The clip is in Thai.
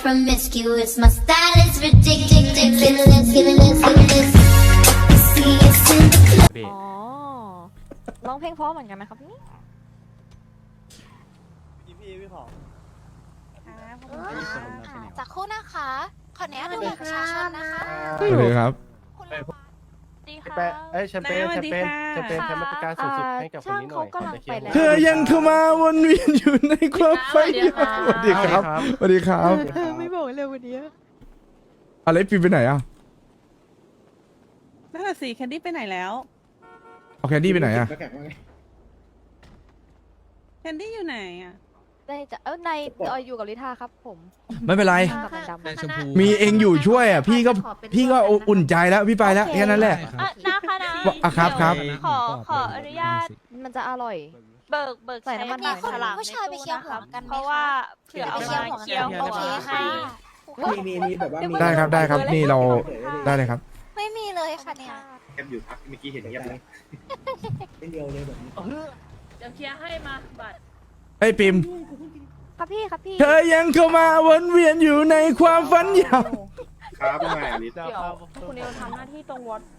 promiscuous. My style is ridiculous. Fearless. See us in the club. อ๋อร้องเพลงเพราะเหมือนกันไหมครับนี่พี่ขอสักครู่นะคะ ขออนุญาตดูบัตรประชาชนนะคะสวัสดีครับคุณลูกบาสดีค่ะแชมเปญแชมเปญบริการสูงสุดให้กับคนนี้หน่อยช่างเขากำลังไปแล้วเธอยังเข้ามาวนเวียนอยู่ในความฝันสวัสดีครับสวัสดีครับไม่บอกเลยวันนี้อะไรปีไปไหนอ่ะนั่นแหละสิแคนดี้ไปไหนแล้วเอาแคนดี้ไปไหนอ่ะแคนดี้อยู่ไหนอ่ะได้จะในอยู่กับลิธาครับผมไม่เป็นไรกับมันดำมีเองอยู่ช่วยอ่ะพี่ก็อุ่นใจแล้วพี่ไปแล้วแค่นั้นแหละนะคะนะอ่ะครับครับขออนุญาตมันจะอร่อยเบิกใส่น้ำมันมีหอยคนฉลามผู้ชายไปเคี่ยวหัวกันไหมเพราะว่าเผื่อเอาไปมาเคี่ยวหัวเคี่ยวกันโอเคค่ะมีแบบว่ามีได้ครับได้ครับนี่เราได้เลยครับไม่มีเลยค่ะเนี่ยแคมอยู่พักเมื่อกี้เห็นเงียบเลยเป็นเดียวเลยแบบนี้เดี๋ยวเคลียร์ให้มาบัตรไอ้ยปิมครับพี่ครับพี่เธอยังเข้ามาวนเวียนอยู่ในความฝันยาวครับไม่อลิสเดี๋ยวคุณเอลทำหน้าที่ตรง